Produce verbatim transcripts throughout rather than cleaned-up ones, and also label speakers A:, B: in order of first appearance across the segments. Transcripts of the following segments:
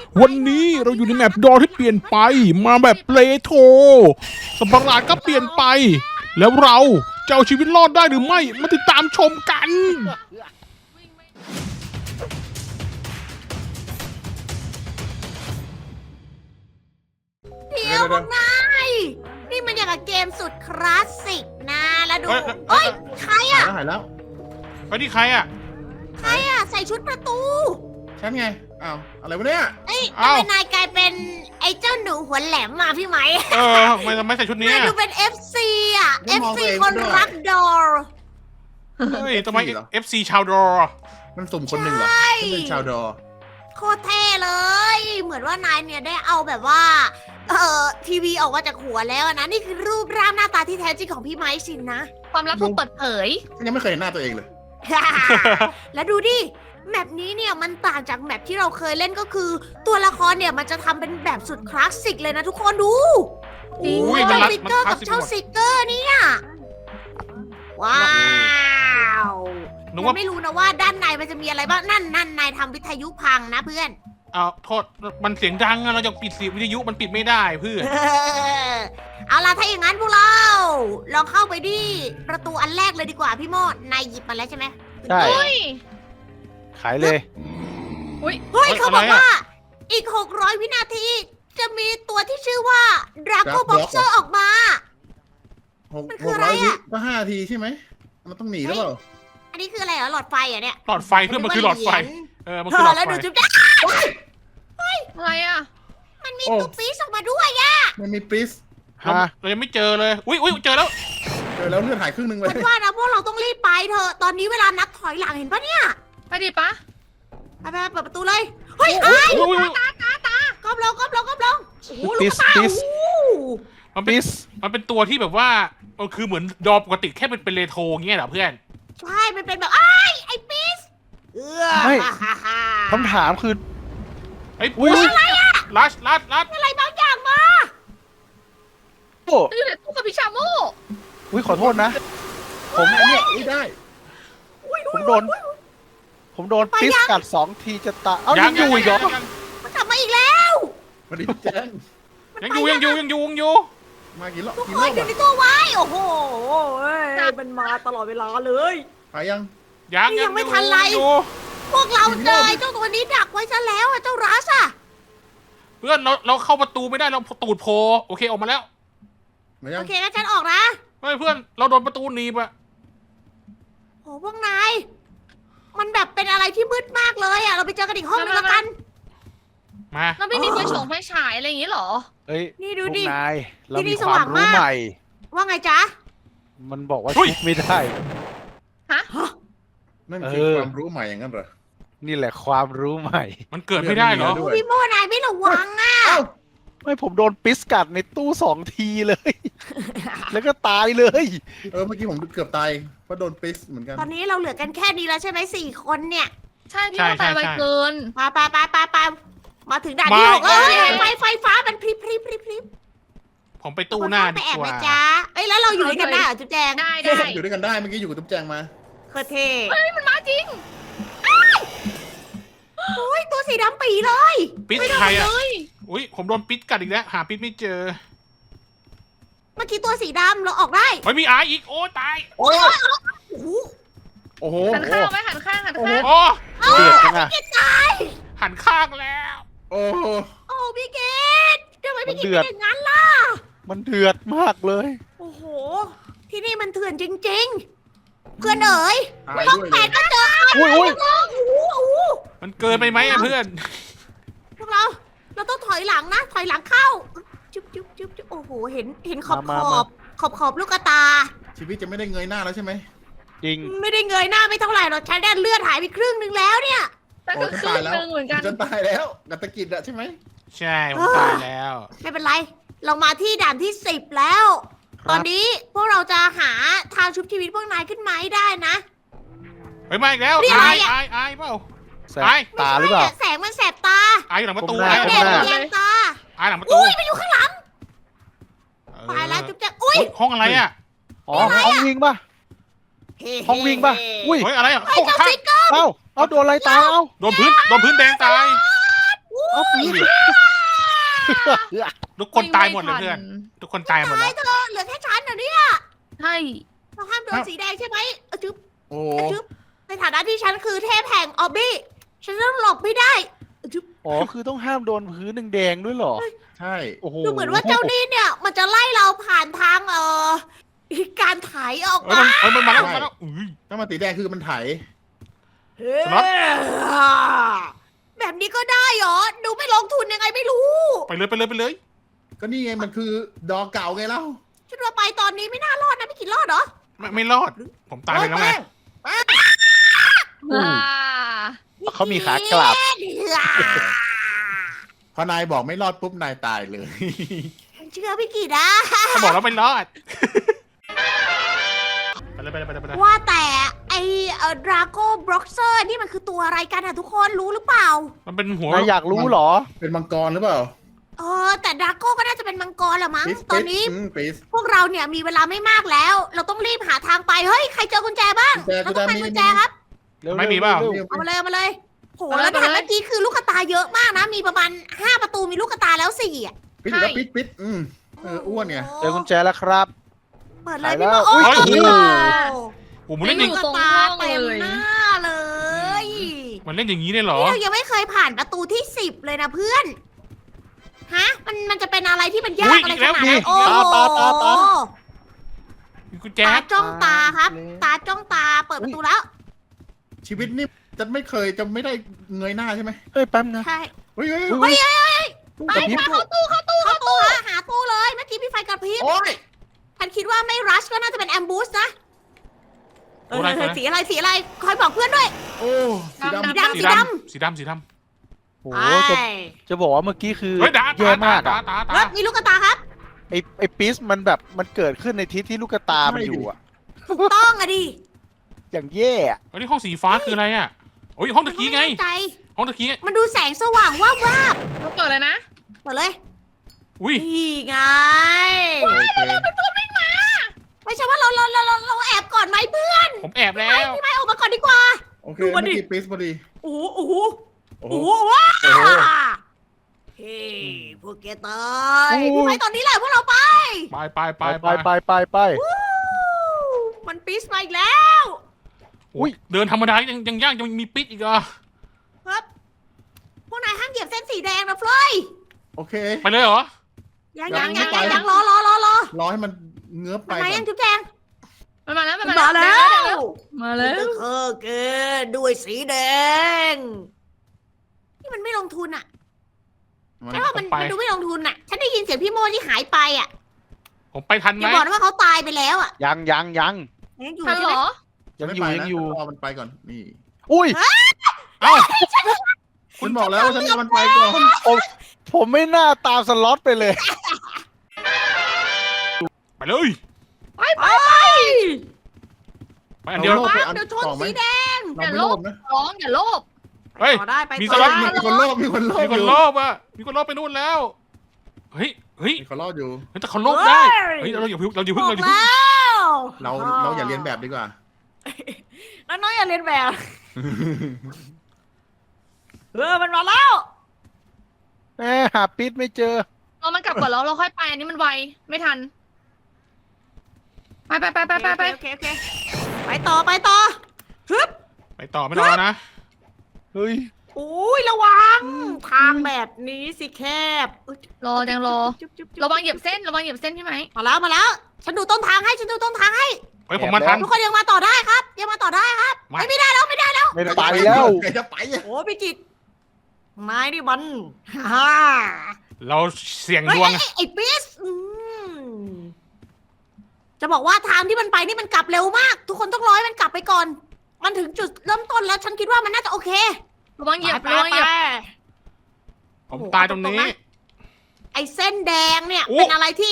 A: วันนี้เราอยู่ในแมปดอที่เปลี่ยนไปมาแบบเปลโทสัตว์ประหลาดก็เปลี่ยนไป แล้วเราจะเอาชีวิตรอดได้หรือไม่มาติดตามชมกัน
B: เดี๋ยวพวกนายนี่มันอย่างกับเกมสุดคลาสสิกนะแล้วดู
A: เอ้ย
B: เอ้ยใคร
C: หาย
B: อะ
C: แล้วหายแล้ว
A: ไปที่ใครอ่ะ
B: ใครอะใส่ชุดประตู
C: ฉันไงอ้าวอะไรวะเนี่ย
B: เอ้ย
A: เอ้า
B: ทำไมนายกลายเป็นไอ้เจ้าหนูหัวแหลมมาพี่ไหม
A: เออทำไมทำไมใส่ชุดนี้
B: นาย
A: อะ
B: ดูเป็น เอฟ ซี อะ เอฟ ซี คนรักดอร์
A: เฮ้ยทำไม เอฟ ซี ชาวดอ
C: มันสุ่มคนหนึ่งเหรอ
B: ใช่
C: ฉันเป็นชาวดอ
B: โคตรเท่เลย เหมือนว่านายเนี่ยได้เอาแบบว่า เอ่อทีวีออกมาจากหัวแล้วนะ นี่คือรูปร่างหน้าตาที่แท้จริงของพี่ไม้สินนะ
D: ความลับถูกเปิดเผย
C: ฉันยังไม่เคยเห็นหน้าตัวเองเลย
B: แล้วดูดิ แมปนี้เนี่ยมันต่างจากแมปที่เราเคยเล่นก็คือ ตัวละครเนี่ยมันจะทำเป็นแบบสุดคลาสสิกเลยนะทุกคนดู
D: จริง
A: อุ้ยมัน
B: เจ้า
A: รัด
B: ฟิก
A: มัน
B: เกอร์
A: คลา
B: กั
A: ส
B: บ
A: สิก
B: เจ้า
A: หมด
B: ซิกเกอร์เนี่ยว้าว
A: นึก
B: ยั
A: ว่า
B: งไม่รู้นะว่าด้านในมันจะมีอะไรบ้างนั่นนั่นนายทำวิทยุพังนะเพื่อน
A: เอาโทษมันเสียงดังอะเราจะปิดเสียงวิทยุมันปิดไม่ได้เพื่อน
B: เออเอาล่ะถ้าอย่างนั้นพวกเรา ลองเข้าไปที่ประตูอันแรกเลยดีกว่าพี่โมดนายหยิบมาแล้วใช่ไหม
E: ใช่
D: เฮ้ย
E: ขายเลย
D: อุ้ย
B: เฮ้ย
A: เฮ้ย
B: เขาบอก
A: อะไรอะ
B: ว่า อีก หกร้อย วินาที จะมีตัวที่ชื่อว่า Draco
C: Draco
B: Boxer ออกมา
C: หก
B: มันคื
C: ห
B: อก อะไร
C: ร้อยวิ
B: อะ
C: ก็ห้านาทีใช่ไหมมันต้องหนีหรือเปล่า
B: อันนี้คืออะไรเหรอหลอดไฟเหรอเนี่ย
A: หลอดไฟเพื่อนมันคือหลอดไฟ เออ มัน
B: เธ
A: คือหล
B: อ
A: อด
B: แล้ว
A: ไฟ
B: ดูจุ๊บจ๊ะ
D: อะไรอ่ะ
B: มันมี
C: โอ้
B: ตัวปีศออกมาด้วยอะ
C: มันมีปริส
A: เรา
E: ฮะ
A: เรายังไม่เจอเลย อุ้ยอุ้ยเจอแล้ว
C: เจอแล้วเลือดหายครึ่งหนึงเลย
B: ฉันว่านะพวกเราต้องรีบไปเถอะตอนนี้เวลานับถอยหลังเห็นปะเนี่ย
D: ไปดิปะ
B: ไปไปไปเปิดประตูเลย เฮ้ยไอ้าย
A: อุ้ยอุ้ย
B: ก้มลงก้มลงก้มลงโอ้โหลู
E: ปิ
B: ก
E: ส
B: ตา
E: ปิส
B: โอ้โห
A: มันเป็น
E: ปิส
A: มันเป็นตัวที่แบบว่ามันคือเหมือนดอปกติแค่เป็นเป็นเรโทรเงี้ยเหรอเพื่อน
B: ใช่มันเป็นแบบไอ้ายไอ้ปีศเออ
E: ไม่
B: ฮ่าฮ่าฮ่า
E: คำถามคือ
A: ไอ้ย
E: อุ๊ย
B: อะไรอะ
A: ลัชลัชลัช
B: อะไรบางอย่างมา
E: โอ้
D: อยู่ในตู้กับพิชาโม
E: อุ้ยขอโทษนะ ผม
C: อันเนี้ยไม่ได้
B: อุ้ย
E: ผมโดน ผมโดนปิสกัดสองทีจะตายเอ้า
A: ยั
E: ยัง งอยู่อีกเหรอ
A: ยังยัง
B: มันกลับมาอีกแล้ว
C: มันดีแจ้ง
A: ยังอยู่ยังอยู่ยังอยู่ยังอยู่
C: มากี่รอบ
B: ทุก
C: กี่
B: ค
C: รอน บ
B: อยู่
C: อะ
B: ในตู้ไว้โอ้โหเอ้ยมันมาตลอดเวลาเลย
C: หายยัง
A: ยัง
B: นี่ยังไม่ทันไร
A: อยู่
B: พวกเราเจอไอ้เจ้าตัวนี้ดักไว้ซะแล้วอะเจ้ารัสอะ
A: เพื่อนเราเราเข้าประตูไม่ได้เราตูดโผล่โอเคออกมาแล้ว
C: มายั
B: โอง เคงั้นฉันออกนะ
A: เฮ้ยเพื่อนเราโดนประตูหนีบอะ
B: โอ้พวกนาย มันแบบเป็นอะไรที่มืดมากเลยอะเราไปเจอกันอีกห้องนึงแล้วกัน
A: มา
D: เราไม่มีไฟฉงไฟฉายอะไรอย่างงี้เหรอ
E: เอ้ย
B: นี่ดู
E: พวก
B: ดิ
E: นาย เรา
B: ที่นี่
E: มี
B: ส
E: ควา
B: ว่าม ง
E: รู้
B: มาก
E: ใหม่
B: ว่าไงจ๊ะ
E: มันบอกว่าชุบไม่ได้
C: นั่นคือ
E: เออ
C: ความรู้ใหม่อย่างนั้นเหรอ
E: นี่แหละความรู้ใหม่
A: มันเกิดไม่ได้เหรอ
C: เลือดไม่มีแล้วด้วย
B: พี่โมนายไม่ระวังอะ
C: เอ้า
E: ไม่ผมโดนปิสกัดในตู้สองทีเลย แล้วก็ตายเลย
C: เออเมื่อกี้ผมเกือบตายเพราะโดนปริสเหมือนกัน
B: ตอนนี้เราเหลือกันแค่นี้แล้วใช่ไหมสี่คนเนี่ย
D: ใช่พี่
A: ใช่
D: ว่าตาย
A: ใช่
D: ไว
A: ใช่
D: เกิน
B: ไปไปไปไปไปมาถึงด่านที่
A: มา
B: หกแล้ว
A: อีกแล้ว
B: ไฟไฟฟ้ามันพริบพริบพริบพริบ
A: ผมไปตู้หน้า
B: ไป
A: ดี
B: แอบ
A: ก
B: ไหม
A: ว่า
B: จ๊ะเอ้ยแล้วเราอยู่ด้วยกันได้เหรอจุ๊บแจง
D: ได้ได้
C: อยู่ด้วยกันได้เมื่อกี้อยู่กับตุ๊บแจงมา
B: เคอเท่
D: เฮ้ยมันมาจริง
B: โอ้ยตัวสีดำปีเลย
A: ปิด
D: ไม่โด
A: ใคร
D: น
A: อะ
D: เลย
A: อุ้ยผมโดนปิดกัดอีกแล้วหาปิดไม่เจอ
B: เมื่อกี้ตัวสีดำเราออกได้
A: เฮ้ยมีอาอีกโอ้ตาย
C: โอ้ย
B: โอ้โห
E: โอ้โห
D: หันข้างไหมหันข้างหันข้าง
A: โอ้
E: เดือดจังอะ
A: หันข้างแล้ว
C: โอ้โห
B: โอ้พี่เกดทำไมพี่เก
E: มันเดื
B: ด
E: อด
B: เป็นอย่างนั้นล่ะ
E: มันเดือดมากเลย
B: โอ้โห ที่นี่มันเถื่อนจริง ๆ เพื่อนเอ๋ย
C: ตาย
B: ห้อง
C: ด้วย
B: แป
C: เลย
B: ดก็เจอ
E: อุ้ยอุ้ย
B: โอ้โหโอ้โห
A: มันเกินไปไหมอะเพื่อน
B: พวกเรา เราต้องถอยหลังนะ ถอยหลังเข้า จุ๊บจุ๊บจุ๊บจุ๊บโอ้โห เห็น เห็นขอบ
E: มา
B: ข
E: มา
B: อบ ขอบขอบลูกตา
C: ชีวิตจะไม่ได้เงยหน้าแล้วใช่ไหม
E: จริง
B: ไม่ได้เงยหน้าไม่เท่าไหร่หรอกฉันได้เลือดหายไปครึ่งนึงแล้วเนี่ย
D: แต่ก็ครึ่งหนึงเหมือนกัน
C: ฉันตายแล้วกัตตะกิจอะใช่ไหม
A: ใช่ผมตายแล้ว
B: ไม่เป็นไร เรามาที่ด่านที่สิบแล้ว
E: ครับ
B: ตอนนี้พวกเราจะหาทางชุบชีวิตพวกนายขึ้นมาให้ได้นะ
A: เฮ้ยมาอีกแล้ว
B: นี่อะไร
A: อาย
B: อะ
A: อายอายเปล่า
E: แสบตาหรือเปล่า
B: ไม่ใช่ะแสงมันแสบตา
A: อายอยู่หลังประตู
E: ผมได้
A: อาย
B: แด
A: หลัง
B: ด
A: ประตู
B: แยงตา
A: อายหลังประตู
B: อุ้ยมันอยู่ข้างหลัง
A: เออ
B: ตายแล้วจุ๊บแจ๊กอุ้ย
A: เฮ้ยห้องอะไรอะ
E: อ๋อห้องวิ่งป่ะ ห้องวิ่งป่ะ อุ้ย
A: เฮ้ยอะไรอะ
B: ไอ้
A: ห้อง
B: เจ้า
A: ข้าง
B: ซิกเกอร์
E: เอ้า เอาโดนอะไรตาย เอ้า
A: โดนพื้นโดนพื้นแดงตาย
B: อู้
E: เอาปีด
A: ทุกคนตายหมดเลยเพื่อน ทุกคนตายหมด
B: ตา
A: แล้
B: ยว เธอเหลือแค่ฉันเหรอเนี่ย
D: ใช่
B: เราห้ามโดนสีแดงใช่ไหมเอาจึ๊บ
C: โอ้
B: เอาจึ๊บในฐานะที่ฉันคือเทพแห่งออบบี้ฉันต้องหลบไม่ได้เอาจึ๊บ
E: อ๋อคือต้องห้ามโดนพื้นแดงๆด้วยเหรอ
C: ใช่
E: โอ้โห
B: ดูเหมือนว่าเจ้านี่เนี่ย มันจะไล่เราผ่านทางเอ่อการไถออก
A: เอ้ย
B: มา
A: มันเอ้ยมันมาแล้วมันมาแล้วอุ้ย
C: ถ้ามันสีแดงคือมันไถ
A: สล็อต
B: แบบนี้ก็ได้เหรอ ดูไม่ลงทุนยังไงไม่รู้
A: ไปเลยไปเลยไปเลย
C: ก็นี่ไงมันคือดอเก่าไงเล่า
B: ฉันว่าไปตอนนี้ไม่น่ารอดนะไม่กินรอดเหรอ
A: ไม่ไม่รอด ผมตายไปแล้วไง
D: อ่า
E: เขามีขากลับ
C: พอนายบอกไม่รอดปุ๊บนายตายเลย
B: เชื่อพี่กิตนะ
A: ถ้าบอกแล้วไม่รอด ไปเลยไปเลยไปเลยไปเลย
B: ว่าแต่ไอเอ่อดราโก้บล็อกเซอร์นี่มันคือตัวอะไรกันอะทุกคนรู้หรือเปล่า
A: มันเป็นหัว
E: นายอยากรู้เหรอ
C: เป็นมังกรหรือเปล่า
B: เออแต่ดราโก้ก็น่าจะเป็นมังกรแหละมั้ง
C: ปิส
B: ตอนนี้
C: ปิสอืมปิส
B: พวกเราเนี่ยมีเวลาไม่มากแล้ว เราต้องรีบหาทางไป เฮ้ย ใครเจอกุญแจบ้าง
C: กุญแจ
B: เราต้องไป
C: กุ
B: กุญ
C: ญ
B: แจ
C: แจ
B: ครับ
E: เร็วๆ
A: ไม่มีเปล่า
E: ร็ว
B: เอามาเลยเอามาเลย โห แล้วแบบเมื่อกี้คือลูกกระตาเยอะมากนะ มีประมาณห้าประตูมีลูกกระตาแล้วสี่อ่ะ
C: ปิสแล้วปิสปิสอืมเอออ้วนไง
E: ๆเจอกุญแจแล้วครับ
B: เปิดเลย
E: ไปแล้
B: พี่
E: ว
B: โมโอ้ย
A: โอ้โห
B: โอ้โห
A: โอ้โหมันเล่นอย่าง
B: ลูกกระตาเต็มหน้าเลย
A: มันเล่นอย่างนี้เลยเหรอ
B: นี่เรายังไม่เคยผ่านประตูที่สิบเลยนะเพื่อน ฮะ มันมันจะเป็นอะไรที่มันยากอะไรขนาดนั้นโอ้โห
E: ตาตาตา
A: มีกุญแจ
B: ตาจ้องตาครับ ตาจ้องตาเปิดประตูแล้ว
C: ชีวิตนี่จะไม่เคยจะไม่ได้เงยหน้าใช่ไหม
E: เฮ้ยแป๊บนะ
B: ใช่
C: เฮ้ยเฮ้ย
E: เฮ้ย
B: ไปไปเข้าตู้เข้าตู้เข้าตู้หาหาตู้เลย เมื่อกี้พี่ไฟกระพริบ
C: โอ้ย
B: ฉันคิดว่าไม่รัชก็น่าจะเป็นแอมบูสนะเอ
A: โอ้
B: อ
A: อะไร
B: สีอะไรสีอะไรคอยบอกเพื่อนด้วย
C: โอ้สีดำ
B: สีดำ
A: สี
B: สี
A: ด
B: ด
A: ำสีดำสีดำ
E: โอ้โหจะ
B: ไป
E: จะบอกว่าเมื่อกี้คือ
A: เฮ้ยดา
E: แย่
A: ตาม
E: าก
A: ตา
E: อะ
A: ตาตา
B: เฮ้
A: ตาย
B: มีลูกกระตาครับ
E: ไอไอปิสมันแบบมันเกิดขึ้นในทิศที่ลูกตามันอยู่อะ
B: ถูกต้องอะดิ
E: อย่างแย่อะ
A: เฮ้ยนี่ห้องสีฟ้าคืออะไรอ่ะโอ้ยห้องตะกี้ไง
B: ม่แน่ใจ
A: ห้องตะกี้ไง
B: มันดูแสงสว่างว่าบวาบ
D: เราเปิดเลยนะ
B: เปิดเลย
A: อุ้ย
B: นี่ไง
C: โอเค
B: ไม่ใช่ว่าเราเราเราเราเราแอบก่อนไหมเพื่อน
A: ผมแอบแล้ว
B: พี่ไม้ออกมาก่อนดีกว่า
C: โอเค
B: ดูมา
C: เมื่อ
B: ดิ
C: กี้ปิสพอดี
B: โอ้โหโอ้โห
C: โอ้
B: โอ้
C: โห
B: โหว้า
C: โอ้โห
B: เฮ้ยพวกแกตายพี่ไม้ตอนนี้แหละพวกเราไป
A: ไปไปไป
E: ไปไปไปไปไป
B: วู้มันปิสมาอีกแล้ว
A: อุ้ยเดินธรรมดายังยังยากยังมีปิดอีกเหรอ
B: ครับพวกนายห้ามเหยียบเส้นสีแดงนะเฟลย
C: โอเค
A: ไปเลยเหรอ
B: ยัง
C: ยั
B: ยัง
C: ง
B: ยัง
C: ไม่
B: ยัง
C: ไป
B: ยังรอรอรอรอ
C: รอให้มันเงื้อไป
B: ทำไม
C: ก่อ
B: ยั
C: น
B: งจุ๊บแจง
D: มันมาแล้วมัน
B: มา
D: มา
B: แล้
D: แล้ว
B: ว
D: มาแล้ว
B: เออเกินด้วยสีแดง นี่มันไม่ลงทุนอ่ะ
C: มัน
B: ใช่ว่ามัน
A: ไป
B: มันดูไม่ลงทุนอ่ะ ฉันได้ยินเสียงพี่โมที่หายไปอ่ะ
A: ผมไปทันไห
B: อ
A: ม
B: ย่าบอกนะว่าเขาตายไปแล้วอ่ะ
E: ยังยังยัง
B: ยังอยู่
D: ทัน
B: ใช่
D: เหร
B: ไหม
D: อ
E: ยัง
C: ไม่
E: อยู่
C: ไป
E: ยัง
C: นะ
E: อยู่
C: รอมันไปก่อนนี่
E: อุ้ย
A: เอ้า
C: คุณบอกแล้วว่าฉันจะมันไปก่อน
E: ผมผมไม่น่าตามสล็อตไปเลย
A: ไปเลย
B: ไปไป
A: ไปอันเดียว
C: โลภไปอัน
B: เดี๋ยวชน
C: ต่อไหม
B: สีแดง
C: เราไม่โลภนะ
D: ร้องอย่าโลภ
A: เฮ้ย
B: ต่อได้ไป
A: มี
B: ต่อ
A: สล็อต
B: ได้
C: มีคนโลภมีคนโลภ
A: มีคน
C: อยู่
A: โลภอ่ะมีคนโลภไปนู่นแล้วเฮ้ยเฮ้ย
C: มีคนโลภอยู่
A: เฮ้ยแต่เขาโลภได้เฮ้ยเราอย่าพึ่งเราอย่าพึ่ง
B: บ
A: เรา
B: อก
A: อย่าพึ่ง
B: แล้ว
C: เราเราอย่าเรียนแบบดีกว่า
B: น้องๆอย่าเรียนแบบเออมันมาแล้ว
E: แหมหาปิสไม่เจอ
D: เรามันกลับก่อนแล้วเราค่อยไปอันนี้มันไวไม่ทัน ไปไปไปไปไปไป
B: โอเคโอเคไปต่อไปต่อฮึบ
A: ไปต่อไม่รอนะ
E: เฮ้ย
B: อุ้ยระวัง ทางแบบนี้สิแคบอุ๊ย
D: รอยังรอ
B: จุ๊บจุ๊บจุ๊บ
D: ระวังเหยียบเส้นระวังเหยียบเส้นใช่ไหม
B: มาแล้วมาแล้ว ฉันดูต้นทางให้ฉันดูต้นทางให้
A: เฮ้ยผมมาทัน
B: ทุกคนยังมาต่อได้ครับ ยังมาต่อได้ครับ
A: มา
B: ไม่ไม่ได้แล้วไม่ได้แล้ว
E: ไม่ได้ไปแล้ว
C: ใครจะไปอะ
B: โอ้พี่กิตนายนี่มันฮ่า
A: เราเสี่ยง
B: เฮ้
A: ด
B: ยว
A: ง
B: ไอ้ไอ้ปิสอืมจะบอกว่าทางที่มันไปนี่มันกลับเร็วมาก ทุกคนต้องรอให้มันกลับไปก่อน มันถึงจุดเริ่มต้นแล้ว ฉันคิดว่ามันน่าจะโอเค
D: ระวังเหยียบ
B: ไประ
D: วังเหยียบ
B: ไป
A: ผมตายตรงนี้
B: ไอ้เส้นแดงเนี่ย
A: โอ้
B: เป็นอะไรที่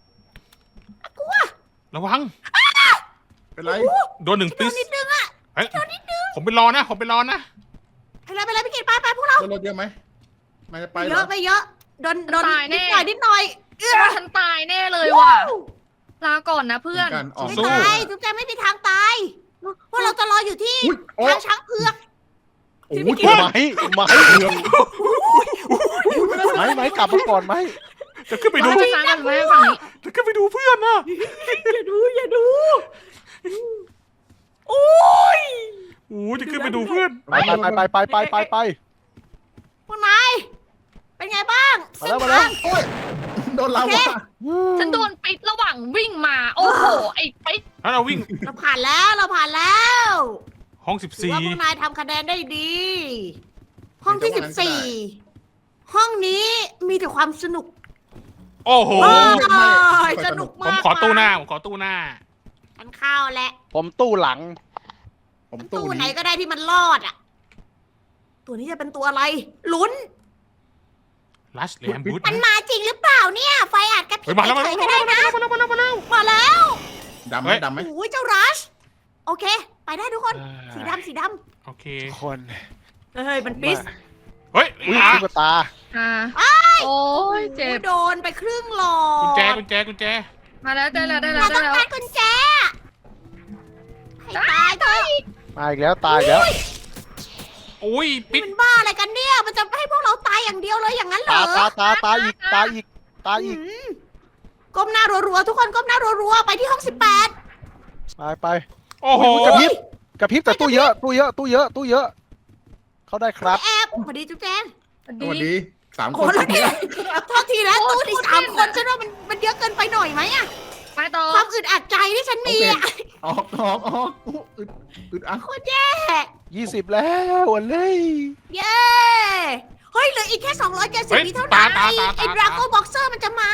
A: ระวัง
C: เป็นไร
A: โดนหนึ่ง
B: โด
A: ปิ
B: น
A: ส
B: นิดนึงอะ
A: เฮ้ยผมไปรอนะ ผมไปรอนะ
B: ไปเลยไปเลยพี่กิตไปไปพวกเรา
C: โดนรถเยอะไหมนายจะไป
B: ไม่
C: เห
B: เย
C: รอ
B: อะไม่เยอะโดนโดน
D: ตายแน่
B: นิดหน่อยนิดหน่อยเอื้อ
D: ฉันตายแน่เลยว่ะลาก่อนนะเพื่อน
C: เหมือนกันออก
B: ไม่
A: สู้
B: ตายจุ๊บแจงไม่มีทางตายพวกเราจะรออยู่ที่
C: อุ๊ยโอ้
B: ทางช้างเผือก
C: โอ้
B: ที่
C: โห
B: พี่กิ
C: เกื
B: น
C: อบ
E: ไม้ไม้ไม้ไม้กลับมาก่อนไหม
A: จะขึ้นไปดู
D: ไปฟังกันไหมฝั่งนี้
A: จะขึ้นไปดูเพื่อนนะ
B: อย่าดูอย่าดูโอ้ย
A: โอ้จะขึ้นไปดูเพื่อน
E: ไปไปไปไปไปไปไป
B: พวกนายเป็นไงบ้าง
E: มาแล้วมาแล้ว
C: โอ้ยโดนเราว่ะ
D: ฉันโดนปิดระหว่างวิ่งมา โอ้โห ไอ้ปิด
A: แล้วเราวิ่ง
B: เราผ่านแล้วเราผ่านแล้ว
A: ห้องสิบ
B: ถือ
A: สี่
B: ว่าพวกนายทำคะแนนได้ดี ห้องที่สิบสี่ห้องนี้มีแต่ความสนุก
A: โอ้โห
B: โอ้ยสนุก
A: ผม
B: มาก
A: ขอตู้หน้าผมขอตู้หน้า
B: ฉันเข้าแหละ
E: ผมตู้หลัง
C: ผมตู้
B: ตู้ไหน
C: นี้
B: ก็ได้ที่มันรอดอ่ะ ตัวนี้จะเป็นตัวอะไร ลุ้น
A: ลัชแลมบูด
B: มันมาจริงหรือเปล่าเนี่ย ไฟอาจกระพริ
A: เฮ้ย
B: บ
A: มาแล้วมา
B: เฉ
A: แล้ว
B: ยๆก็ได้นะ
A: มาแล้วมาแล้วมาแล้ว
B: มาแล้ว
C: ดำไหม
A: เฮ้ย
C: ดำไหม
B: โอ้ยเจ้ารัช โอเค ไปได้ทุกคน สีดำสีด
A: โอเค
E: คน
B: ำเฮ้ย มันปิส
A: เฮ้ย
E: อุ้ย
A: อ่ะ
E: ตุ๊กตา
D: อ่าโอ้ยเจ็บ
B: โดนไปครึ่งหลอด
A: กุญแจกุญแจกุญแจ
D: มาแล้วได้แล้วได้แล้
B: เรา
D: ว
B: ต้
D: ได้
B: อง
D: แล้ว
B: การกุญแจให้ตายเถอะ
E: มาอีกแล้วตายอีกแล้ว
A: โอ้ย
B: นี่
A: ปิด
B: มันบ้าอะไรกันเนี่ย มันจะให้พวกเราตายอย่างเดียวเลยอย่างนั้นเหร
E: ตา
B: อ
E: ตาตาตาอีกตาอีกตาอีก
B: อืมก้มหน้ารัวๆทุกคนก้มหน้ารัวๆไปที่ห้องสิบแปด
E: ไปไป
A: โอ้โห
E: อุ๊ยกระพริบกระพริบแต่ตู้เยอะตู้เยอะตู้เยอะตู้เยอะ เข้าได้ครับ
B: แอบพอดีจุ๊บแจง
C: สวัสดีสาม
B: โอ้
C: คน
B: แล้วนี่โทษทีนะตู้ที่สามคนฉันว่ามันมันเยอะเกินไปหน่อยไหมอะ
D: ไปต่อ
B: ความอึดอัดใจที่ฉันมีอะ
C: ออกออกออกอุ๊ยอึดอึดอัด
B: โคตรแย่
E: ยี่สิบแล้ววันเลย
B: เย้เฮ้ยเหลืออีกแค่สองร้อยเจ็ดสิบ
A: เฮ้ย
B: วิเท่านั้น
A: ตา
B: ไอ้
A: ตาตา
B: ไอ้
A: ตา
B: ดราโก้บ็อกเซอร์มันจะมา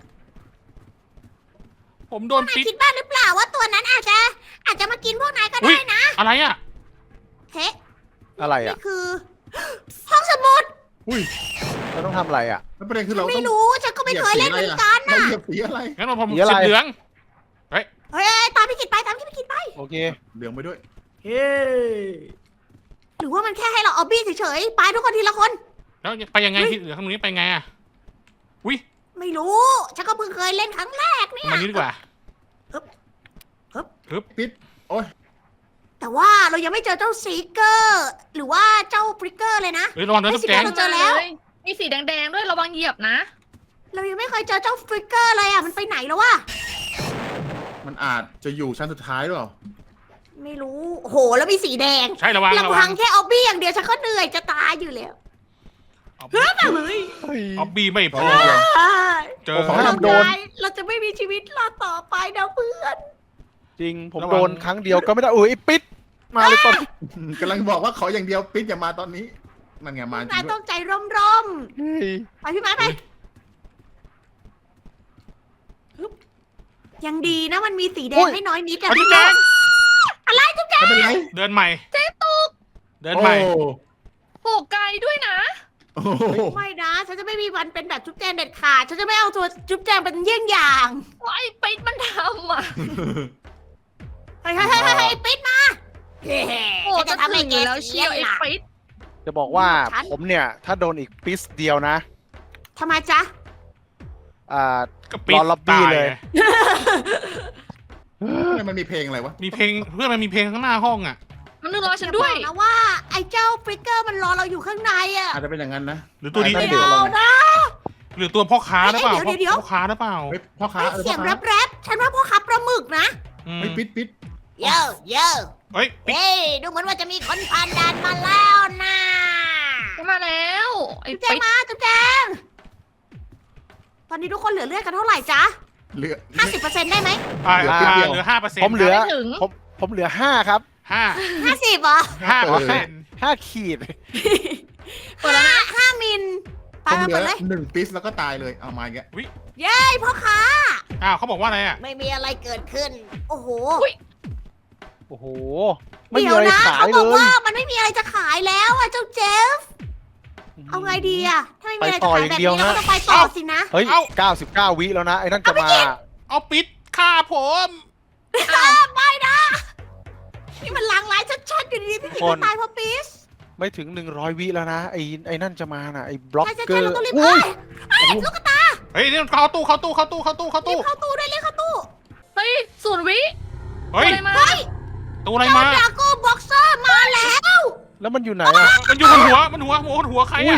A: ผมโดน
B: นาย
A: ปิด
B: คิดบ้างหรือเปล่าว่าตัวนั้นอาจจะ อาจจะมากินพวกนายก็
A: อุ๊
B: ได้
A: ย
B: นะ
A: อะไรอ่ะ
B: เฮ้
E: อะไรอ่ะ
B: นี่คือ ห้องสมุด
C: อุ้ย
E: เราต้องทำอะไรอ่ะ
C: แล้วประเด็นคือเรา
B: ไม่
C: ต้อง
B: รู้ฉันก็ไม่เคยเล่นเหมือนกัน
C: เรา
B: น่ะ
C: เหยียบสีอะไร
A: งั้นเราผม
E: สีอะไร
A: สีเหลือง
B: เฮ้ยเฮ้ยตามพี่กิจไปตามพี่กิจไป
E: โอเค
C: เหลืองไปด้วย
B: เฮ้หรือว่ามันแค่ให้เราเอาบี้เฉยๆไปทุกคนทีละคน
A: แล้วไปยังไงที่เหลือข้างนี้ไปไงอ่ะอุ้ย
B: ไม่รู้ฉันก็เพิ่งเคยเล่นครั้งแรกเนี่ย
A: มานี้ดีกว่า
C: ปิด โอ้ย
B: แต่ว่าเรายังไม่เจอเจ้าซีเกอร์ หรือว่าเจ้าฟริกเกอร์เลยนะ
A: เฮ้ยระวังนะ
B: ไม่
A: ทุก
B: สิ
A: แจง
B: เราเจอแล้ว
D: มีสีแดงๆด้วยระวังเหยียบนะ
B: เรายังไม่เคยเจอเจ้าฟริกเกอร์เลยอ่ะมันไปไหนแล้ววะ
C: มันอาจจะอยู่ชั้นสุดท้ายหรือเปล่า
B: ไม่รู้โอ้โหแล้วมีสีแดง
A: ใช่ระวังระ
B: ลำ
A: วั
B: พั
A: ง
B: งแค่เอาบี้อย่างเดียวฉันก็เหนื่อยจะตายอยู่แล้ว
A: เอา
B: เฮ้ยมาเลย
E: เฮ้ย
A: เอาบีไม่พอ
C: เดี๋ยว
A: เจอ
E: โอ้โห
B: เรา
E: โดน
B: ตายเราจะไม่มีชีวิตรอดต่อไปนะเพื่อน
E: จริงผม
A: ระวัง
E: โดนครั้งเดียวก็ไม่ได้โอ้ยปิดมาเลยตอน
C: กำลังบอกว่าขออย่างเดียวปิดอย่ามาตอนนี้ มันไงมาจริ
B: นาย
C: งด้
B: ต้
C: ว
B: อย งใจร่ม
E: เฮ้ย
B: ๆไปพี่ไม้ไปฮึบยังดีนะมันมีสีแดงให้น้อยนิดอะ
A: เอาทุกแจง
B: อะไรทุกแจง
C: ไม่เป็นไร
A: เดินใหม่
D: เจ๊ตุก
A: เดินใหม่
C: โอ้
D: โปกไกลด้วยนะ
C: โอ้โห
B: ไม่นะฉันจะไม่มีวันเป็นแบบจุ๊บแจงเด็ดขาดฉันจะไม่เอาตัวจุ๊บแจงเป็นเยี่ยงอย่าง
D: ว่าไอ้ปิดมันทำอ่ะ
B: เฮ้ยเฮ้ยเฮ้ยเฮ้ยปิดมาเฮ้
D: โอ้
B: ฉัน
D: จะ
B: จะทำให้
D: ถึง
B: แก
D: อยู่แล้ว
B: เสี
D: เชี
B: ย
D: ยวไอ้
B: หลัก
D: ปิด
E: จะบอกว่า
B: ฉัน
E: ผมเนี่ย ถ้าโดนอีกปิสเดียวนะ
B: ทำไมจ๊ะ
E: อ่า
A: ก็ปิด
E: รอล็อบบี้
A: ตาย
E: เลย
A: ไง
C: ทำไมมันมีเพลงอะไรวะ
A: มีเพลงเพื่อนมันมีเพลงข้างหน้าห้องอ่ะ
D: มันนึกรอฉันด้วย
B: อย่าบอกนะว่าไอ้เจ้าฟริกเกอร์มันรอเราอยู่ข้างในอะ
C: อาจจะเป็นอย่างนั้นนะ
A: หรือตัวนี้
C: ไม่
B: ไม่เอานะ
A: หรือตัวพ่อค้าหรือเปล่า
B: เดี๋ยวเดี๋ยว
A: พ่อค้าหรือเปล่า
C: เฮ้ยพ่อค้า
B: ไอ้
C: เออ
B: เสียง
C: พ่อ
B: แร
C: ค้า
B: ปแรปฉันว่าพวกขับปลาหมึกนะ
A: อืม
C: เฮ้ยปิดปิด
B: เยอะเยอะ
A: เฮ้ยปิด
B: เฮ้ยดูเหมือนว่าจะมีคนผ่านด่านมาแล้วนะ
D: มาแล้ว ไอ้
B: จุ๊บแจ
D: ปิ
B: ง
D: ด
B: มาจุ๊บแจงตอนนี้ทุกคนเหลือเลือดกันเท่าไหร่จ๊ะ
C: เหลือ
B: ห้าสิบเปอร์เซ็นต์ได้ไหม
A: อ่า
C: เหลือ
A: อ่า
C: ปิดเดียว
A: เหลือห้าเปอร์เซ็นต์
E: ผมเหลือ
D: ไม่ถึง
E: ผมผมเหลือห้าครับ
A: ห้า
B: ห้าสิบเหรอ
A: ห้าเปอร์เซ็นต์
E: ห้าขีด
D: เปิดแล้วนะ
B: ห้ามิลไป
C: ผม
B: มา
C: เหลือ
B: เปิดเลย
C: หนึ่งปิสแล้วก็ตายเลย เอามาอีกแล้ว
B: เย้พ่อค้า
A: อ้าวเขาบอกว่าอะไรอ่ะ
B: ไม่มีอะไรเกิดขึ้น โอ้โห
E: โอ้โห ไม่มี
B: เดี๋ยว
E: อะไร
B: นะ
E: ขาย
B: เขา
E: เล
B: บอก
E: ย
B: ว่ามันไม่มีอะไรจะขายแล้วอะเจ้าเจฟ เอาไงดีอะถ้าไม่มีอะไรจะขายแบบนี้เราก็ต้องไปต่อสินะ
E: เฮ้ยเก้าสิบเก้าวิแล้วนะ ไอ้นั่นจะมา
A: เอาปิดฆ่าผม
B: ไม่นะ นี่มันลางร้ายชัดๆอยู่ดีๆพี่กิต
E: คน
B: ตายเพราะปิส
E: ไม่ถึงหนึ่งร้อยวิแล้วนะ ไอ้ไอ้นั่นจะมาน่ะ ไอ้บล็อก
B: ใช่ใช่
E: เก
B: ใช่
E: อ
B: เรา
E: ร์
B: ต้องรีบ
E: อุ้
B: เอ้
E: ย
B: ยเอ้ยลูกกระตา
A: เฮ้ยนี่เข้าตู้เข้าตู้เข้าตู้เข้าตู้เข้า
B: รี
A: ตู้
B: บเข้าตู้ด้วยรีบเข้าตู้
D: เฮ้ยศูนย์วิ
A: เฮ้ย
D: อะไรมา
B: เฮ้ย
A: ตู้อะไร
B: เจ้า
A: มา
B: ดราโก้บ็อกเซอร์มาแล้ว
E: แล้วมันอยู่ไหนอ่ะ
A: มันอยู่บนหัวมันหัวหัวหัวใคร
E: อุ้
A: อ่ะ
E: ย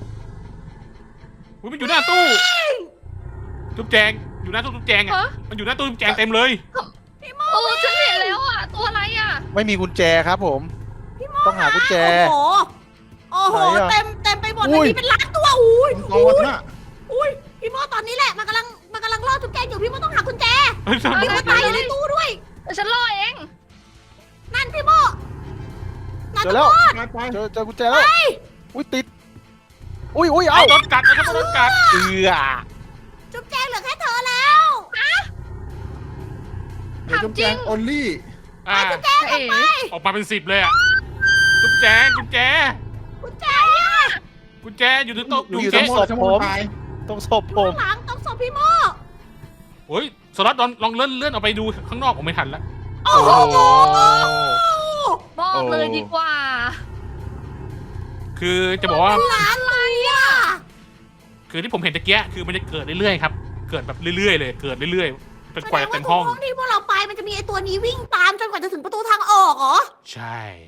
A: อุ๊ยมันอยู่หน้าตู้จุ๊บแจงอยู่หน้าตู้จุ๊บแจงอ่ะ
D: ฮะ
A: มันอยู่หน้าตู้จุ๊บแจงเต็มเลย
D: เออฉันเห็นแล้วอ่ะ ตัวอะไรอ่ะ
E: ไม่มีกุญแจครับผม ต้องหากุญแจ
B: โอ้โห โอ้โห
E: ไหนอะ
B: เต็มเต็มไปหมด
E: อุ้
B: เลย
E: ย
B: นี่เป็นล้านตัวอุ้ย
C: กองวัฒนะ
B: อุ้ยพี่โมตอนนี้แหละมันกำลังมันกำลังล่อจุ๊บแจงอยู่พี่โมต้องหากุญแจ
A: เฮ้ย
B: มีคนตายอยู่ในตู้ด้วย
D: แต่ฉันรอเอง
B: นั่นพี่โมนั่น
E: เจอ
B: ตำ
E: แล้
B: ร
E: ว
B: วจ
C: ไปไป
E: เจอเจอกุญแจแล้ว อุ้ยติด อุ้ยอุ้ยเอา
A: เอาโดนกัดนะครับโดนกัด
E: เอือ
B: จุ๊บแจงเหลือแค่เธอแล้ว
C: เดี๋ยวจุ๊บแจงโอลลี่
A: อ่า
B: จุ๊บแจงออกไป
A: ออกมาเป็นสิบเลยอ่ะจุ๊บแจงกุญแจ
B: กุญแจอะ
A: กุญแจอยู่ในโต๊ะอยู่
E: อยู่
A: เจ๊
E: ตรงศพ
C: ทั้งห
E: ผม ม
C: ตาย
E: ตรงศพผ
B: ข้าม งหลังต้องศพพี่โม
A: โอ้ยสล็อตลองลองเลื่อนเลื่อนออกไปดูข้างนอกผมไม่ทันแล้ว
B: โอ้โห
D: บอกเลยดีกว่า
A: คือจะบอกว่า
B: เป็นล้านเลยอ่ะ
A: คือที่ผมเห็นตะเกียคือมันจะเกิดเรื่อยๆครับ เกิดแบบเรื่อยๆเลย เกิดเรื่อยๆเป็นกว่าจะเต็มห้อง
B: แสดว่าทุกห้องที่พวกเราไปมันจะมีไอตัวนี้วิ่งตามจนกว่าจะถึงประตูทางออกเหรอ
A: ใช่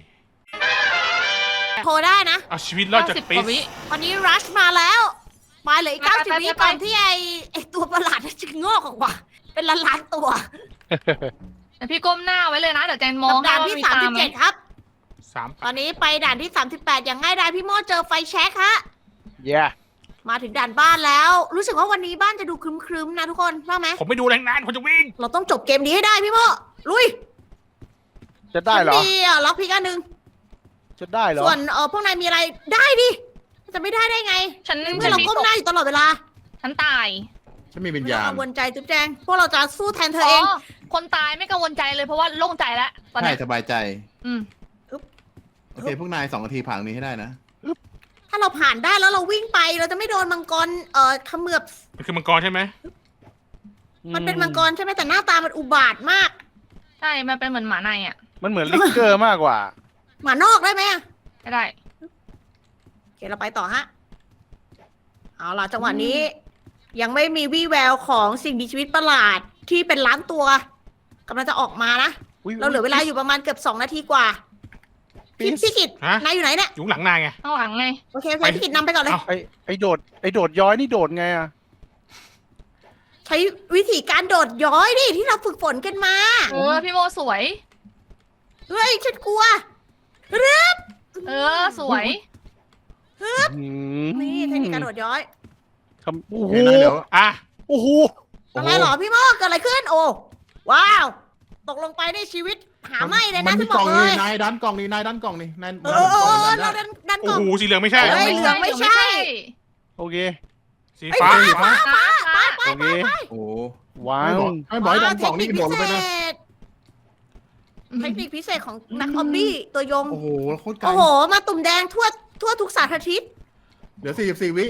B: โทรได้นะ
A: เอาชีวิตรอดจาก
D: เก้าสิบ
A: ปิ
D: ก
A: ส
D: ว่าวิ
B: วันนี้รัชมาแล้วมาเหลืออีก
D: ไป
B: เก้า
D: ไป
B: สิบ
D: ไป
B: วิ
D: ไป
B: ก่อนที่ไอไอตัวประหลาดจะงอกออกมาเป็นล้านล้านๆตัว
D: แต่พี่ก้มหน้าไว้เลยนะ เดี๋ยวแจนมอง
B: ด่าน
D: ให้
B: ที่
D: ว่
B: สาม
D: ต
B: สิบ
D: ไห
B: เจ็ดครับ
A: สาม
B: ตอนนี้ไปด่านที่สามสิบแปดอย่างง่ายดายพี่โมเจอไฟแช็คฮะ
E: เย้
B: มาถึงด่านบ้านแล้ว รู้สึกว่าวันนี้บ้านจะดูครึ้มๆนะทุกคนว่าไหม
A: ผมไม่ดูแรงนานผมจะวิ่ง
B: เราต้องจบเกมนี้ให้ได้พี่โมลุย
E: จะได้เหรอ
B: ฉันมีอ่ะล็อกพิกอันหนึ่ง
E: จะได้เหรอ
B: ส่วนเออพวกนายมีอะไรได้ดิจะไม่ได้ได้ไง
D: ฉัน
B: เพื่อนเราก้มหน้าอยู่ตลอดเวลา
D: ฉันตาย
C: ฉันมีวิญ
B: ไม่ต้
C: ญา
B: อง
C: ณ
B: กังวลใจจุ๊บแจงพวกเราจะสู้แทนเธอเอง
D: คนตายไม่กังวลใจเลยเพราะว่าโล่งใจแล้วตอน
C: ใช่
D: นี้
C: สบายใจ
D: อืม
C: โอเค พวกนายสองนาทีผ่านตรงนี้ให้ได้นะ
B: ถ้าเราผ่านได้แล้วเราวิ่งไปเราจะไม่โดนมังกรเอ่อเขมือบ
A: มันคือมังกรใช่ไหม
B: มันเป็นมังกรใช่ไหมแต่หน้าตามันอุบาทมาก
D: ใช่ มันเป็นเหมือนหมาในอ่ะ
E: มันเหมือนลิกเกอร์มากกว่า
B: หมานอกได้ไหมอะ
D: ไม่ได้
B: โอเคเราไปต่อฮะเอาล่ะจังหวะนี้ ยังไม่มีวี่แววของสิ่งมีชีวิตประหลาดที่เป็นล้านตัวกำลังจะออกมานะ
E: อุ๊ย
B: เราเหลือเวลาอยู่ประมาณเกือบสองนาทีกว่า
E: ปิ๊
B: พี่
E: ส
B: พี่กิต
A: ฮะ
B: นายอยู่ไหนเนี่ย
A: อยู่ข้างหลังนายไง
D: ข้างหลังไง
B: โอเคโอเคพี่กิตนำไปก่อนเลย
A: เอ้า
E: ไอไอโดดไอโดดย้อยนี่โดดไงอ่ะ
B: ใช้วิธีการโดดย้อยดิที่เราฝึกฝนกันมา
D: เออ พี่โมสวย
B: เฮ้ยฉันกลัวเรือบ
D: เออ สวย
E: อืม
B: นี่เทคนิคการโดดย้อย
E: ทำโอ้
C: โอ
E: โห
C: เคนะเดี๋ยว
A: อ่ะ
E: โอ้โห
B: อะไรเหรอพี่โมกเกิดอะไรขึ้นโอ้ว้าว ตกลงไปในชีวิตหาไม่เลย
C: มั
B: นะ
C: นมี
B: ฉันบ
C: กล่
B: อ
C: อก ง
B: เล
C: นี่
B: ย
C: นายดันกล่องนี่นายดันกล่องนี่นาย
B: เออเออเออ
C: ดั
B: เรา
C: นได้
B: ดันดัน
A: โอ้
B: ก่อน
A: โหสีเหลืองไม่ใช่
B: เฮ้ย เหลืองไม่ใช่
E: โอเค
A: สี
B: ไอ้ย
A: ฟ้า
B: ฟ้า
A: สีฟ้า
B: ฟ้าฟ้าฟ้า
E: โอเค
C: โอ้
E: ว้า
C: ไม่
E: ว
C: บอกไม่บอกให้ดันกล่องนี่กระโดดลงไปนะ
B: เทคนิคพิเศษของนักออมบี้ตัวยง
C: โอ้โหโคตรไกล
B: โอ้โห มาตุ่มแดงทั่วทั่วทุกสารทิศ
C: เดี๋ยวสี่สิบสี่วิ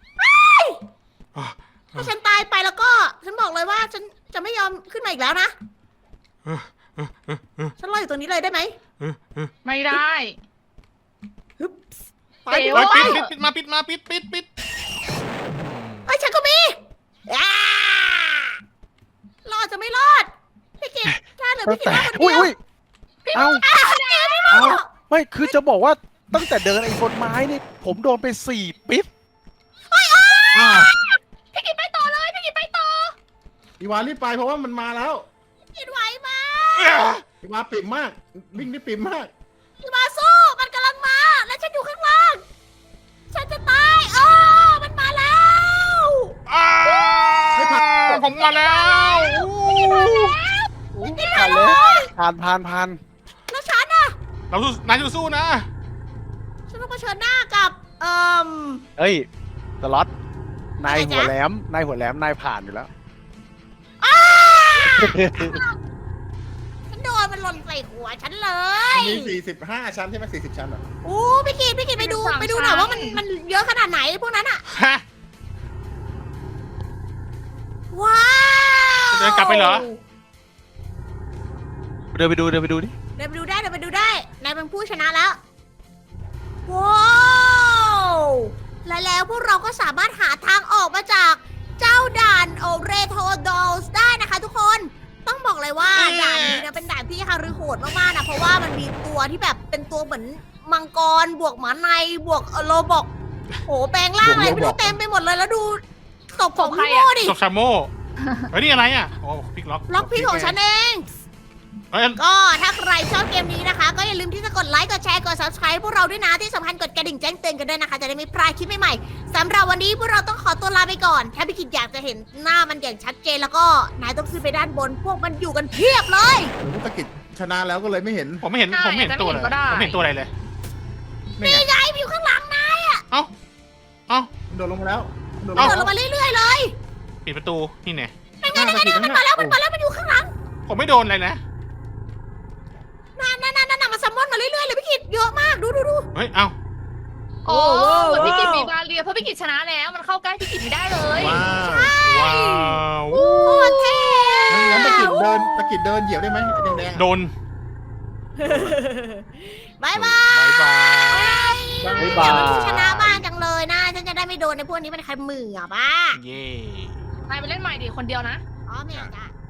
B: ถ้าฉันตายไปแล้วก็ ฉันบอกเลยว่าฉันจะไม่ยอมขึ้นมาอีกแล้วนะ ฉันรออยู่ตรงนี้เลยได้ไหม
D: ไม่ได้
B: ฮึบไป
D: เดี๋
B: ดิ
D: ยว
A: เฮ้ย
B: ไป
A: ปิดปิดปิดมาปิดมาปิดปิดปิด
B: เฮ้ยฉันก็มีอ่ารอดจะไม่รอด พี่กิตแค่เหลือพี่กิต
E: แต่
B: มาคน
E: อุ้ย
B: เดียว
E: อุ้ยเอ้า
B: อ่ะเดี๋ยวพี่โม
E: เอ้าไม่คือจะบอกว่าตั้งแต่เดินไอ้บนไม้นี่ผมโดนไปสี่ปิ๊บ
C: อ่า
B: พี่กิตไปต่อเลย พี่กิตไปต่อ
C: อีวารีบไปเพราะว่ามันมาแล้ว
B: พี่กิตไหวไหม
C: อีวาปิ่มมาก วิ่งได้ปิ่มมาก
B: พี่มาสู้ มันกำลังมา และฉันอยู่ข้างล่าง ฉันจะตายเออมันมาแล้ว
A: อ่า
C: ไม่ผ่าน
A: ผมมาแล้ว
E: อุ๊ยผ่านเลยผ่านผ่านผ่าน
B: แล้วฉันอะ
A: เราสู้นายสู้ๆนะ
B: ฉันต้องเผชิญหน้ากับ เอ่ม
E: เอ้ยสล็อตนาย
B: อะไรจ๊ะ
E: หัวแหลมนายหัวแหลมนายผ่านอยู่แล้ว
B: ฉันโดนมันหล่นใส่หัวฉันเลย
C: มีสี่สิบห้าชั้นใช่ไหมสี่สิบชั้นเหรอ
B: อู้พี่กิตพี่กิตไปดู
D: สาม
B: ไปดูหน่อย
D: ชั้น
B: ว่ามันมันเยอะขนาดไหนพวกนั้นอะ
A: ฮะ
B: ว้าว
A: จะเดินกลับไปเหรอ
E: เดินไปดูเดินไปดูดิ
B: เดินไปดูได้เดินไปดูได้นายเป็นผู้ชนะแล้วว้าวและแล้วพวกเราก็สามารถหาทางออกมาจากเจ้าด่านโอเรโทดอลส์ได้นะคะทุกคนต้องบอกเลยเลยว่าด่านนี้นะเป็นด่านที่ฮารุโหดมากๆนะเพราะว่ามันมีตัวที่แบบเป็นตัวเหมือนมังกรบวกหมาในบวกเอ่อโลบอกโหแปลงร่างอะไรไม่รู้เต็มไปหมดเลยแล้วดูศพของพี่โม่ดิ
A: ตกชาโม่เฮ้ยนี่อะไรอ่ะโอ้พลิกล็อก
B: ล็อกพี่ของฉันเอง
A: เฮ้ย
B: ก็ถ้าใครชอบเกมนี้นะคะ ก็อย่าลืมที่จะกดไลค์กดแชร์กด ซับสไครบ์ พวกเราด้วยนะที่สำคัญกดกระดิ่งแจ้งเตือนกันด้วยนะคะ จะได้ไม่พลาดคลิปใหม่ๆสำหรับวันนี้พวกเราต้องขอตัวลาไปก่อน ถ้าพี่กิจอยากจะเห็นหน้ามันอย่างชัดเจนแล้วก็นายต้องขึ้นไปด้านบน พวกมันอยู่กันเพียบเลย
C: โอ้โหตะกิดชนะแล้วก็เลยไม่เห็น
A: ผมไม่เห็นผมไม่เห็นตัวเลยผมไม่เห็นตัวอะไรเลย
C: นี่ไง
B: นี่ไงอยู่ข้างหลังนะ
A: เอ้าเอ้า
C: โดดลงมาแล้วโดดล
A: เอ้า
C: ง
B: เดินล
C: มาง
B: มาเรื่อยๆเลย
A: ปิดประตูนี่ไง
B: นั่นไงนั่นไงนั่นไงมันมาแล้วมันมาแล้วมันอยู่ข้างหลัง
A: ผมไม่โดนอะไรนะ
B: นั่นนั่นนั่นนั่นมันซัมมอนมาเรื่อยๆเลยพี่กิจเยอะมากดูดูดู
A: เฮ้ยเอ้า
D: โอ้เหมือนพี่กิจมีบาเรียเพราะพี่กิจชนะแล้ว มันเข้าใกล้พี่กิจไม่ได้เลย
C: ว้าว
A: ว้าว
B: โคตรเท่
C: งั้นตะกิดเดินตะกิดเดินเหยียบได้ไหมแดงๆ
A: โดน
B: บายบาย
A: บายบาย
B: อยากเป็นผู้ชนะบ้างจังเลยนะฉันจะได้ไม่โดนในพวกนี้เป็นใครมืออ่ะบ้า
A: เย่
D: นายไปเล่นใหม่ดิคนเดียวนะ
B: อ๋อไม่เอาจ้ะ